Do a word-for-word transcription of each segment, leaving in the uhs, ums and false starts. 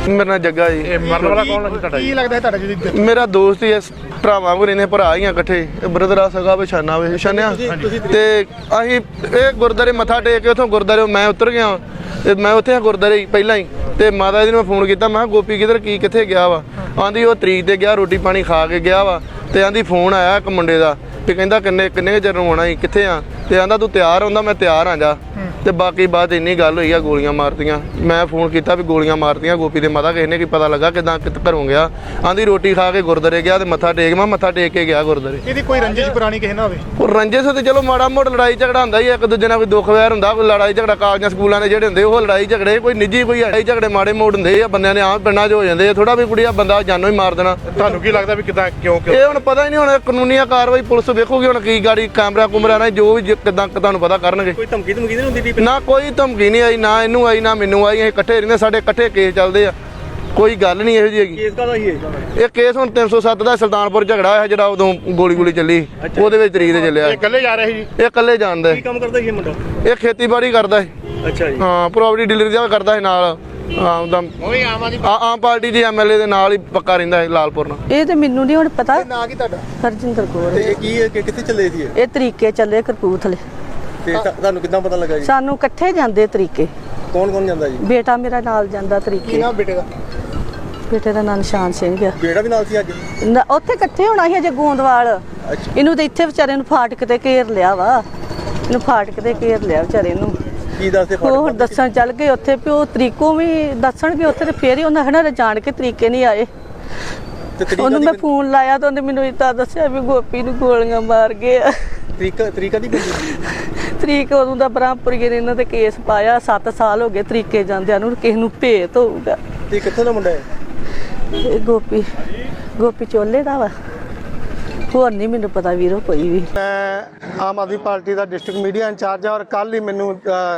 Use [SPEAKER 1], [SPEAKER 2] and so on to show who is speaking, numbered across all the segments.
[SPEAKER 1] मेरा नाम जग्गा जी।
[SPEAKER 2] मरने वाला कौन है ਤੁਹਾਡਾ? ਕੀ ਲੱਗਦਾ ਤੁਹਾਡਾ ਜੀ?
[SPEAKER 1] मेरा दोस्त ही है, भरावां को रहने भरा ही इकट्ठे, ब्रदर आ सगा पछाना वे छानिया ते असीं ਇਹ ਗੁਰਦਾਰੇ ਮੱਥਾ ਟੇਕ ਕੇ ਉਥੋਂ ਗੁਰਦਾਰੇ ਮੈਂ ਉਤਰ ਗਿਆ ਤੇ ਮੈਂ ਉੱਥੇ ਗੁਰਦਾਰੇ ਪਹਿਲਾਂ ਹੀ ਤੇ ਮਾਤਾ ਜੀ ਨੂੰ ਮੈਂ ਫੋਨ ਕੀਤਾ, ਮੈਂ ਕਿਹਾ ਗੋਪੀ ਕਿਧਰ ਕੀ ਕਿੱਥੇ ਗਿਆ ਵਾ? ਆਂਦੀ ਉਹ ਤਰੀਕ ਤੇ ਗਿਆ, ਰੋਟੀ ਪਾਣੀ ਖਾ ਕੇ ਗਿਆ ਵਾ ਤੇ ਆਂਦੀ ਫੋਨ ਆਇਆ ਇੱਕ ਮੁੰਡੇ ਦਾ ਤੇ ਕਹਿੰਦਾ ਕਿੰਨੇ ਕਿੰਨੇ ਚਿਰ ਨੂੰ ਆਉਣਾ ਸੀ, ਕਿੱਥੇ ਆ? ਤੇ ਆਂਦਾ ਤੂੰ ਤਿਆਰ ਹੁੰਦਾ, ਮੈਂ ਤਿਆਰ ਆ ਜਾ। ਤੇ ਬਾਕੀ ਬਾਤ ਇੰਨੀ ਗੱਲ ਹੋਈ ਆ, ਗੋਲੀਆਂ ਮਾਰਤੀਆਂ। ਮੈਂ ਫੋਨ ਕੀਤਾ ਵੀ ਗੋਲੀਆਂ ਮਾਰਤੀਆਂ ਗੋਪੀ ਦੇ ਮਾਤਾ, ਕਿਸੇ ਨੇ ਕੀ ਪਤਾ ਲੱਗਾ ਕਿਦਾਂ ਕਿਤ ਘਰੋਂ ਗਿਆ? ਆਂਦੀ ਰੋਟੀ ਖਾ ਕੇ ਗੁਰਦਾਰੇ ਗਿਆ ਤੇ ਮੱਥਾ ਟੇਕ, ਮੈਂ ਮੱਥਾ ਟੇਕ ਕੇ ਗਿਆ ਗੁਰਦਾਰੇ।
[SPEAKER 2] ਇਹਦੀ ਕੋਈ ਰੰਜਿਸ਼ ਪੁਰਾਣੀ ਕਿਸੇ ਨਾਲ ਹੋਵੇ?
[SPEAKER 1] ਉਹ ਰੰਜਿਸ਼ ਤੇ ਚਲੋ ਮਾੜਾ ਮੋੜ ਲੜਾਈ ਝਗੜਾ ਹੁੰਦਾ ਹੀ, ਇੱਕ ਦੂਜੇ ਨਾਲ ਕੋਈ ਦੁੱਖ ਵੈਰ ਹੁੰਦਾ, ਕੋਈ ਲੜਾਈ ਝਗੜਾ ਕਾਲਜਾਂ ਸਕੂਲਾਂ ਦੇ ਜਿਹੜੇ ਹੁੰਦੇ ਉਹ ਲੜਾਈ ਝਗੜੇ, ਕੋਈ ਨਿੱਜੀ ਕੋਈ ਲੜਾਈ ਝਗੜੇ ਮਾੜੇ ਮੋੜ ਹੁੰਦੇ ਆ, ਬੰਦਿਆਂ ਦੇ ਆਮ ਪਿੰਡਾਂ 'ਚ ਹੋ ਜਾਂਦੇ ਆ। ਥੋੜਾ ਵੀ ਕੁੜੀਆ ਬੰਦਾ ਜਾਨੋਂ ਹੀ ਮਾਰ ਦੇਣਾ।
[SPEAKER 2] ਤੁਹਾਨੂੰ ਕੀ ਲੱਗਦਾ ਵੀ ਕਿਦਾਂ ਕਿਉਂ
[SPEAKER 1] ਇਹ ਹੁਣ ਪਤਾ ਹੀ ਨਹੀਂ, ਹੁਣ ਕਾਨੂੰਨੀ ਕਾਰਵਾਈ ਪੁਲਿਸ ਵੇਖੂਗੀ ਹੁਣ ਕੀ ਗਾੜੀ ਕੈਮਰਾ ਕੁਮਰਾ ਨਾਲ ਜੋ ਵੀ ਕਿਦਾਂ ਤੁਹਾਨੂੰ ਪਤਾ ਕਰਨਗੇ।
[SPEAKER 2] ਕੋਈ ਧਮਕੀ ਧਮਕੀ ਨਹੀਂ ਹੁੰਦੀ?
[SPEAKER 1] ਨਾ ਕੋਈ ਧਮਕੀ ਨਹੀਂ ਆਈ, ਨਾ ਇਹਨੂੰ ਆਈ ਨਾ ਮੈਨੂੰ ਆਈ। ਅਸੀਂ ਇਕੱਠੇ ਰਹਿੰਦੇ, ਸਾਡੇ ਇਕੱਠੇ ਕੇਸ ਚੱਲਦੇ ਆ, ਕੋਈ ਗੱਲ ਨਹੀਂ ਇਹੋ ਜਿਹੀ ਹੈਗੀ।
[SPEAKER 2] ਕੇਸ ਕਾਹਦਾ ਸੀ ਇਹ?
[SPEAKER 1] ਇਹ ਕੇਸ ਹੁਣ ਤਿੰਨ ਸੌ ਸੱਤ ਦਾ ਸੁਲਤਾਨਪੁਰ ਝਗੜਾ ਹੋਇਆ ਜਿਹੜਾ ਉਦੋਂ ਗੋਲੀ ਗੋਲੀ ਚੱਲੀ, ਉਹਦੇ ਵਿੱਚ ਤਰੀਕ ਤੇ ਚੱਲਿਆ।
[SPEAKER 2] ਇਹ ਇਕੱਲੇ ਜਾ ਰਹੇ ਸੀ ਜੀ?
[SPEAKER 1] ਇਹ ਇਕੱਲੇ ਜਾਣਦਾ।
[SPEAKER 2] ਕੀ ਕੰਮ ਕਰਦਾ ਸੀ ਇਹ ਮੁੰਡਾ?
[SPEAKER 1] ਇਹ ਖੇਤੀਬਾੜੀ ਕਰਦਾ ਹੈ।
[SPEAKER 2] ਅੱਛਾ ਜੀ।
[SPEAKER 1] ਹਾਂ, ਪ੍ਰੋਪਰਟੀ ਡੀਲਰ ਦਾ ਕਰਦਾ ਹੈ ਨਾਲ। ਹਾਂ, ਉਹਦਾ
[SPEAKER 2] ਉਹੀ ਆਮ ਆਦਮੀ
[SPEAKER 1] ਆਮ ਪਾਰਟੀ ਦੇ ਐਮਐਲਏ ਦੇ ਨਾਲ ਹੀ ਪੱਕਾ ਰਹਿੰਦਾ ਹੈ ਲਾਲਪੁਰ ਨਾਲ।
[SPEAKER 3] ਇਹ ਤੇ ਮੈਨੂੰ ਨਹੀਂ ਹੁਣ ਪਤਾ।
[SPEAKER 2] ਨਾਂ ਕੀ ਤੁਹਾਡਾ?
[SPEAKER 3] ਹਰਜਿੰਦਰ ਕੌਰ।
[SPEAKER 2] ਤੇ ਇਹ ਕੀ ਹੈ ਕਿ ਕਿੱਥੇ ਚੱਲੇ ਸੀ ਇਹ?
[SPEAKER 3] ਇਹ ਤਰੀਕੇ ਚੱਲੇ ਕਰਪੂਥਲੇ।
[SPEAKER 2] ਤੇ ਤੁਹਾਨੂੰ ਕਿੱਦਾਂ ਪਤਾ ਲੱਗਾ ਜੀ?
[SPEAKER 3] ਸਾਨੂੰ ਇਕੱਠੇ ਜਾਂਦੇ ਤਰੀਕੇ।
[SPEAKER 2] ਕੌਣ ਕੌਣ ਜਾਂਦਾ ਜੀ?
[SPEAKER 3] ਬੇਟਾ ਮੇਰਾ ਨਾਲ ਜਾਂਦਾ
[SPEAKER 2] ਕੀ
[SPEAKER 3] ਤਰੀਕੇ।
[SPEAKER 2] ਨਾਮ ਬੇਟੇ ਦਾ?
[SPEAKER 3] ਬੇਟੇ ਦਾ ਨਾਂ ਨਿਸ਼ਾਨ ਸਿੰਘ ਆ।
[SPEAKER 2] ਬੇਟਾ ਵੀ ਨਾਲ ਸੀ ਅੱਜ?
[SPEAKER 3] ਨਾ, ਉੱਥੇ ਇਕੱਠੇ ਹੋਣਾ ਸੀ ਅਜੇ ਗੋਂਦਵਾਲ।
[SPEAKER 2] ਅੱਛਾ।
[SPEAKER 3] ਇਹਨੂੰ ਤੇ ਇੱਥੇ ਵਿਚਾਰੇ ਨੂੰ ਫਾਟਕ ਤੇ ਘੇਰ ਲਿਆ ਵਾ। ਇਹਨੂੰ ਫਾਟਕ ਤੇ ਘੇਰ ਲਿਆ ਵਿਚਾਰੇ ਨੂੰ।
[SPEAKER 2] ਕੀ ਦੱਸਦੇ
[SPEAKER 3] ਉਹ ਦੱਸਣ ਚੱਲ ਗਏ ਉੱਥੇ ਵੀ ਉਹ ਤਰੀਕੋਂ ਵੀ ਦੱਸਣਗੇ ਉੱਥੇ ਤੇ ਫੇਰ ਹੀ ਉਹਨਾਂ ਖਣਾ ਜਾਣ ਕੇ ਤਰੀਕੇ ਨਹੀਂ ਆਏ। ਉਹਨੂੰ ਮੈਂ ਫੋਨ ਲਾਇਆ ਤਾਂ ਉਹਨੇ ਮੈਨੂੰ ਇੱਦਾਂ ਦੱਸਿਆ ਵੀ ਗੋਪੀ ਨੂੰ ਗੋਲੀਆਂ ਮਾਰ ਗਏ ਆ।
[SPEAKER 2] ਤਰੀਕਾ ਤਰੀਕਾ ਦੀ
[SPEAKER 3] ਤਰੀਕ ਉਦੋਂ ਦਾ ਬ੍ਰਹਮਪੁਰੀ ਨੇ ਇਹਨਾਂ ਤੇ ਕੇਸ ਪਾਇਆ। ਸੱਤ ਸਾਲ ਹੋ ਗਏ ਤਰੀਕੇ ਜਾਂਦਿਆਂ ਨੂੰ, ਕਿਸੇ ਨੂੰ ਭੇਤ ਹੋਊਗਾ।
[SPEAKER 2] ਤੇ ਕਿੱਥੋਂ ਦਾ ਮੁੰਡਾ ਹੈ
[SPEAKER 3] ਇਹ ਗੋਪੀ ਗੋਪੀ ਚੋਲੇ ਦਾ ਵਾ, ਹੋਰ ਨਹੀਂ ਮੈਨੂੰ ਪਤਾ ਵੀਰੋ ਕੋਈ ਵੀ।
[SPEAKER 4] ਮੈਂ ਆਮ ਆਦਮੀ ਪਾਰਟੀ ਦਾ ਡਿਸਟ੍ਰਿਕਟ ਮੀਡੀਆ ਇੰਚਾਰਜ ਹਾਂ ਔਰ ਕੱਲ ਹੀ ਮੈਨੂੰ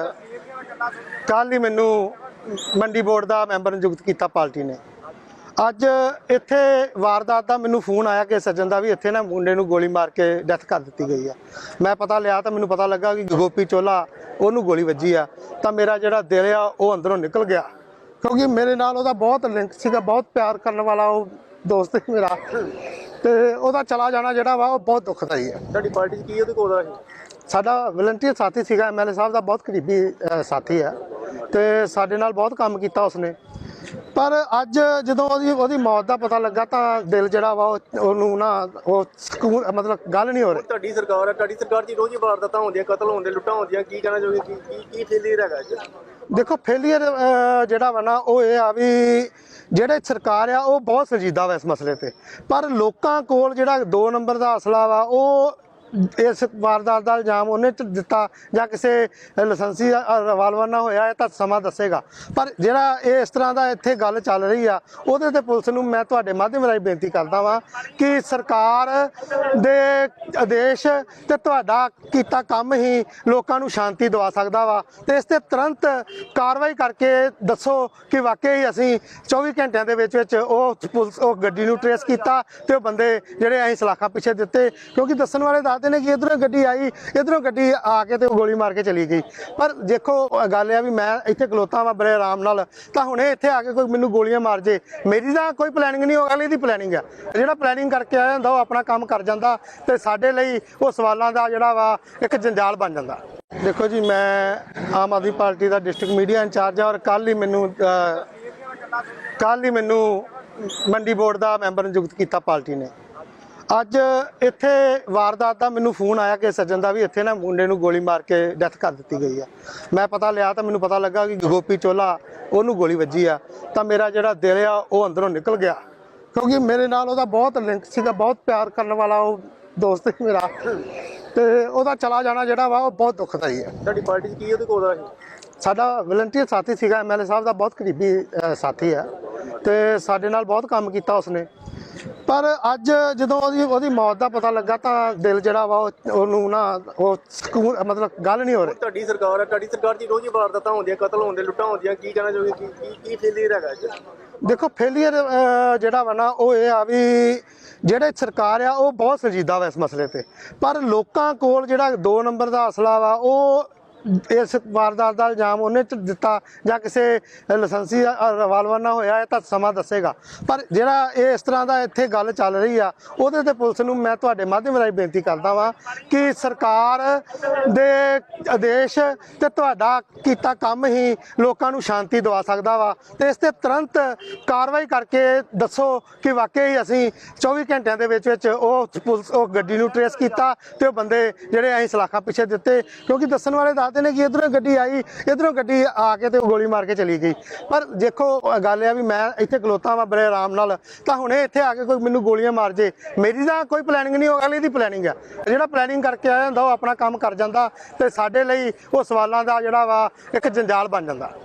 [SPEAKER 4] ਕੱਲ ਹੀ ਮੈਨੂੰ ਮੰਡੀ ਬੋਰਡ ਦਾ ਮੈਂਬਰ ਨਿਯੁਕਤ ਕੀਤਾ ਪਾਰਟੀ ਨੇ। ਅੱਜ ਇੱਥੇ ਵਾਰਦਾਤ ਦਾ ਮੈਨੂੰ ਫੋਨ ਆਇਆ ਕਿ ਸੱਜਣ ਦਾ ਵੀ ਇੱਥੇ ਨਾ ਮੁੰਡੇ ਨੂੰ ਗੋਲੀ ਮਾਰ ਕੇ ਡੈਥ ਕਰ ਦਿੱਤੀ ਗਈ ਆ। ਮੈਂ ਪਤਾ ਲਿਆ ਤਾਂ ਮੈਨੂੰ ਪਤਾ ਲੱਗਾ ਕਿ ਗੋਪੀ ਚੋਲਾ ਉਹਨੂੰ ਗੋਲੀ ਵੱਜੀ ਆ। ਤਾਂ ਮੇਰਾ ਜਿਹੜਾ ਦਿਲ ਆ ਉਹ ਅੰਦਰੋਂ ਨਿਕਲ ਗਿਆ, ਕਿਉਂਕਿ ਮੇਰੇ ਨਾਲ ਉਹਦਾ ਬਹੁਤ ਲਿੰਕ ਸੀਗਾ, ਬਹੁਤ ਪਿਆਰ ਕਰਨ ਵਾਲਾ ਉਹ ਦੋਸਤ ਸੀ ਮੇਰਾ। ਤੇ ਉਹਦਾ ਚਲਾ ਜਾਣਾ ਜਿਹੜਾ ਵਾ ਉਹ ਬਹੁਤ ਦੁਖਦਾਈ ਹੈ।
[SPEAKER 2] ਤੁਹਾਡੀ ਪਾਰਟੀ 'ਚ ਕੀ ਉਹਦੇ ਕੋਲ ਦਾ ਸੀ?
[SPEAKER 4] ਸਾਡਾ ਵਲੰਟੀਅਰ ਸਾਥੀ ਸੀਗਾ, ਐਮਐਲਏ ਸਾਹਿਬ ਦਾ ਬਹੁਤ ਕਰੀਬੀ ਸਾਥੀ ਹੈ ਤੇ ਸਾਡੇ ਨਾਲ ਬਹੁਤ ਕੰਮ ਕੀਤਾ ਉਸਨੇ। ਪਰ ਅੱਜ ਜਦੋਂ ਉਹਦੀ ਉਹਦੀ ਮੌਤ ਦਾ ਪਤਾ ਲੱਗਾ ਤਾਂ ਦਿਲ ਜਿਹੜਾ ਵਾ ਉਹਨੂੰ ਨਾ ਉਹ ਸਕੂਨ ਮਤਲਬ ਗੱਲ ਨਹੀਂ ਹੋ ਰਹੀ।
[SPEAKER 2] ਤੁਹਾਡੀ ਸਰਕਾਰ ਹੈ, ਤੁਹਾਡੀ ਸਰਕਾਰ 'ਚ ਰੋਜ਼ ਹੀ ਵਾਰਦਾਤਾਂ ਹੁੰਦੀਆਂ, ਕਤਲ ਹੁੰਦੇ, ਲੁੱਟਾਂ ਹੁੰਦੀਆਂ, ਕੀ ਕਹਿਣਾ ਚਾਹੋਗੇ? ਕੀ ਕੀ ਕੀ ਫੇਲੀਅਰ ਹੈਗਾ ਅੱਜ?
[SPEAKER 4] ਦੇਖੋ ਫੇਲੀਅਰ ਜਿਹੜਾ ਵਾ ਨਾ ਉਹ ਇਹ ਆ ਵੀ ਜਿਹੜੇ ਸਰਕਾਰ ਆ ਉਹ ਬਹੁਤ ਸੰਜੀਦਾ ਵਾ ਇਸ ਮਸਲੇ ਤੇ, ਪਰ ਲੋਕਾਂ ਕੋਲ ਜਿਹੜਾ ਦੋ ਨੰਬਰ ਦਾ ਅਸਲਾ ਵਾ ਉਹ ਇਸ ਵਾਰਦਾਤ ਦਾ ਇਲਜ਼ਾਮ ਉਹਨੇ ਦਿੱਤਾ ਜਾਂ ਕਿਸੇ ਲਾਇਸੈਂਸੀ ਰਿਵਾਲਵਰ ਨਾਲ ਹੋਇਆ ਇਹ ਤਾਂ ਸਮਾਂ ਦੱਸੇਗਾ। ਪਰ ਜਿਹੜਾ ਇਹ ਇਸ ਤਰ੍ਹਾਂ ਦਾ ਇੱਥੇ ਗੱਲ ਚੱਲ ਰਹੀ ਆ ਉਹਦੇ ਤੇ ਪੁਲਿਸ ਨੂੰ ਮੈਂ ਤੁਹਾਡੇ ਮਾਧਿਅਮ ਰਾਹੀਂ ਬੇਨਤੀ ਕਰਦਾ ਵਾਂ ਕਿ ਸਰਕਾਰ ਦੇ ਆਦੇਸ਼ ਤੇ ਤੁਹਾਡਾ ਕੀਤਾ ਕੰਮ ਹੀ ਲੋਕਾਂ ਨੂੰ ਸ਼ਾਂਤੀ ਦਵਾ ਸਕਦਾ ਵਾ। ਤੇ ਇਸ ਤੇ ਤੁਰੰਤ ਕਾਰਵਾਈ ਕਰਕੇ ਦੱਸੋ ਕਿ ਵਾਕਈ ਅਸੀਂ ਚੌਵੀ ਘੰਟਿਆਂ ਦੇ ਵਿੱਚ ਵਿੱਚ ਉਹ ਪੁਲਿਸ ਉਹ ਗੱਡੀ ਨੂੰ ਟਰੇਸ ਕੀਤਾ ਤੇ ਉਹ ਬੰਦੇ ਜਿਹੜੇ ਅਸੀਂ ਸਲਾਖਾਂ ਪਿੱਛੇ ਦਿੱਤੇ, ਕਿਉਂਕਿ ਦੱਸਣ ਵਾਲੇ ਦੱਸਦੇ ਨੇ ਕਿ ਇੱਧਰੋਂ ਗੱਡੀ ਆਈ, ਇੱਧਰੋਂ ਗੱਡੀ ਆ ਕੇ ਤੇ ਉਹ ਗੋਲੀ ਮਾਰ ਕੇ ਚਲੀ ਗਈ। ਪਰ ਦੇਖੋ ਗੱਲ ਇਹ ਵੀ ਮੈਂ ਇੱਥੇ ਖਲੋਤਾ ਵਾ ਬੜੇ ਆਰਾਮ ਨਾਲ, ਤਾਂ ਹੁਣੇ ਇੱਥੇ ਆ ਕੇ ਕੋਈ ਮੈਨੂੰ ਗੋਲੀਆਂ ਮਾਰ ਜੇ, ਮੇਰੀ ਤਾਂ ਕੋਈ ਪਲੈਨਿੰਗ ਨਹੀਂ, ਉਹ ਅਗਲੀ ਦੀ ਪਲੈਨਿੰਗ ਆ। ਜਿਹੜਾ ਪਲੈਨਿੰਗ ਕਰਕੇ ਆਇਆ ਹੁੰਦਾ ਉਹ ਆਪਣਾ ਕੰਮ ਕਰ ਜਾਂਦਾ ਤੇ ਸਾਡੇ ਲਈ ਉਹ ਸਵਾਲਾਂ ਦਾ ਜਿਹੜਾ ਵਾ ਇੱਕ ਜੰਜਾਲ ਬਣ ਜਾਂਦਾ। ਦੇਖੋ ਜੀ, ਮੈਂ ਆਮ ਆਦਮੀ ਪਾਰਟੀ ਦਾ ਡਿਸਟ੍ਰਿਕਟ ਮੀਡੀਆ ਇੰਚਾਰਜ ਹਾਂ ਔਰ ਕੱਲ ਹੀ ਮੈਨੂੰ ਕੱਲ ਹੀ ਮੈਨੂੰ ਮੰਡੀ ਬੋਰਡ ਦਾ ਮੈਂਬਰ ਨਿਯੁਕਤ ਕੀਤਾ ਪਾਰਟੀ ਨੇ। ਅੱਜ ਇੱਥੇ ਵਾਰਦਾਤ ਦਾ ਮੈਨੂੰ ਫੋਨ ਆਇਆ ਕਿ ਸੱਜਣ ਦਾ ਵੀ ਇੱਥੇ ਨਾ ਮੁੰਡੇ ਨੂੰ ਗੋਲੀ ਮਾਰ ਕੇ ਡੈਥ ਕਰ ਦਿੱਤੀ ਗਈ ਆ। ਮੈਂ ਪਤਾ ਲਿਆ ਤਾਂ ਮੈਨੂੰ ਪਤਾ ਲੱਗਾ ਕਿ ਗੋਪੀ ਚੋਲਾ ਉਹਨੂੰ ਗੋਲੀ ਵੱਜੀ ਆ। ਤਾਂ ਮੇਰਾ ਜਿਹੜਾ ਦਿਲ ਆ ਉਹ ਅੰਦਰੋਂ ਨਿਕਲ ਗਿਆ, ਕਿਉਂਕਿ ਮੇਰੇ ਨਾਲ ਉਹਦਾ ਬਹੁਤ ਲਿੰਕ ਸੀਗਾ, ਬਹੁਤ ਪਿਆਰ ਕਰਨ ਵਾਲਾ ਉਹ ਦੋਸਤ ਸੀ ਮੇਰਾ। ਤੇ ਉਹਦਾ ਚਲਾ ਜਾਣਾ ਜਿਹੜਾ ਵਾ ਉਹ ਬਹੁਤ ਦੁਖਦਾਈ ਹੈ।
[SPEAKER 2] ਤੁਹਾਡੀ ਪਾਰਟੀ 'ਚ ਕੀ ਉਹਦੇ ਕੋਲ ਦਾ ਸੀ?
[SPEAKER 4] ਸਾਡਾ ਵਲੰਟੀਅਰ ਸਾਥੀ ਸੀਗਾ, ਐਮਐਲਏ ਸਾਹਿਬ ਦਾ ਬਹੁਤ ਕਰੀਬੀ ਸਾਥੀ ਹੈ ਤੇ ਸਾਡੇ ਨਾਲ ਬਹੁਤ ਕੰਮ ਕੀਤਾ ਉਸਨੇ। ਪਰ ਅੱਜ ਜਦੋਂ ਉਹਦੀ ਉਹਦੀ ਮੌਤ ਦਾ ਪਤਾ ਲੱਗਾ ਤਾਂ ਦਿਲ ਜਿਹੜਾ ਵਾ ਉਹਨੂੰ ਨਾ ਉਹ ਸਕੂਨ ਮਤਲਬ ਗੱਲ ਨਹੀਂ ਹੋ ਰਹੀ।
[SPEAKER 2] ਤੁਹਾਡੀ ਸਰਕਾਰ ਹੈ, ਤੁਹਾਡੀ ਸਰਕਾਰ 'ਚ ਰੋਜ਼ ਹੀ ਵਾਰਦਾਤਾਂ ਹੁੰਦੀਆਂ, ਕਤਲ ਹੁੰਦੇ, ਲੁੱਟਾਂ ਹੁੰਦੀਆਂ, ਕੀ ਕਹਿਣਾ ਚਾਹੋਗੇ? ਕੀ ਕੀ ਕੀ ਫੇਲੀਅਰ ਹੈਗਾ ਅੱਜ?
[SPEAKER 4] ਦੇਖੋ ਫੇਲੀਅਰ ਜਿਹੜਾ ਵਾ ਨਾ ਉਹ ਇਹ ਆ ਵੀ ਜਿਹੜੇ ਸਰਕਾਰ ਆ ਉਹ ਬਹੁਤ ਸੰਜੀਦਾ ਵਾ ਇਸ ਮਸਲੇ ਤੇ, ਪਰ ਲੋਕਾਂ ਕੋਲ ਜਿਹੜਾ ਦੋ ਨੰਬਰ ਦਾ ਅਸਲਾ ਵਾ ਉਹ ਇਸ ਵਾਰਦਾਤ ਦਾ ਇਲਜ਼ਾਮ ਉਹਨੇ ਚ ਦਿੱਤਾ ਜਾਂ ਕਿਸੇ ਲਾਇਸੈਂਸੀ ਰਿਵਾਲਵਰ ਨਾਲ ਹੋਇਆ, ਇਹ ਤਾਂ ਸਮਾਂ ਦੱਸੇਗਾ। ਪਰ ਜਿਹੜਾ ਇਹ ਇਸ ਤਰ੍ਹਾਂ ਦਾ ਇੱਥੇ ਗੱਲ ਚੱਲ ਰਹੀ ਆ, ਉਹਦੇ ਤੇ ਪੁਲਿਸ ਨੂੰ ਮੈਂ ਤੁਹਾਡੇ ਮਾਧਿਅਮ ਰਾਹੀਂ ਬੇਨਤੀ ਕਰਦਾ ਵਾਂ ਕਿ ਸਰਕਾਰ ਦੇ ਆਦੇਸ਼ ਤੇ ਤੁਹਾਡਾ ਕੀਤਾ ਕੰਮ ਹੀ ਲੋਕਾਂ ਨੂੰ ਸ਼ਾਂਤੀ ਦਵਾ ਸਕਦਾ ਵਾ, ਤੇ ਇਸ ਤੇ ਤੁਰੰਤ ਕਾਰਵਾਈ ਕਰਕੇ ਦੱਸੋ ਕਿ ਵਾਕਈ ਅਸੀਂ ਚੌਵੀ ਘੰਟਿਆਂ ਦੇ ਵਿੱਚ ਵਿੱਚ ਉਹ ਪੁਲਿਸ ਉਹ ਗੱਡੀ ਨੂੰ ਟਰੇਸ ਕੀਤਾ ਤੇ ਉਹ ਬੰਦੇ ਜਿਹੜੇ ਅਸੀਂ ਸਲਾਖਾਂ ਪਿੱਛੇ ਦਿੱਤੇ, ਕਿਉਂਕਿ ਦੱਸਣ ਵਾਲੇ ਦੱਸਦੇ ਨੇ ਕਿ ਇਧਰੋਂ ਗੱਡੀ ਆਈ, ਇਧਰੋਂ ਗੱਡੀ ਆ ਕੇ ਤੇ ਗੋਲੀ ਮਾਰ ਕੇ ਚਲੀ ਗਈ। ਪਰ ਦੇਖੋ ਗੱਲ ਇਹ ਆ ਵੀ ਮੈਂ ਇੱਥੇ ਖਲੋਤਾ ਵਾਂ ਬੜੇ ਆਰਾਮ ਨਾਲ, ਤਾਂ ਹੁਣੇ ਇੱਥੇ ਆ ਕੇ ਕੋਈ ਮੈਨੂੰ ਗੋਲੀਆਂ ਮਾਰ ਜੇ, ਮੇਰੀ ਤਾਂ ਕੋਈ ਪਲੈਨਿੰਗ ਨਹੀਂ, ਉਹ ਅਗਲੀ ਦੀ ਪਲੈਨਿੰਗ ਆ। ਜਿਹੜਾ ਪਲੈਨਿੰਗ ਕਰਕੇ ਆਇਆ ਹੁੰਦਾ ਉਹ ਆਪਣਾ ਕੰਮ ਕਰ ਜਾਂਦਾ ਤੇ ਸਾਡੇ ਲਈ ਉਹ ਸਵਾਲਾਂ ਦਾ ਜਿਹੜਾ ਵਾ ਇੱਕ ਜੰਜਾਲ ਬਣ ਜਾਂਦਾ।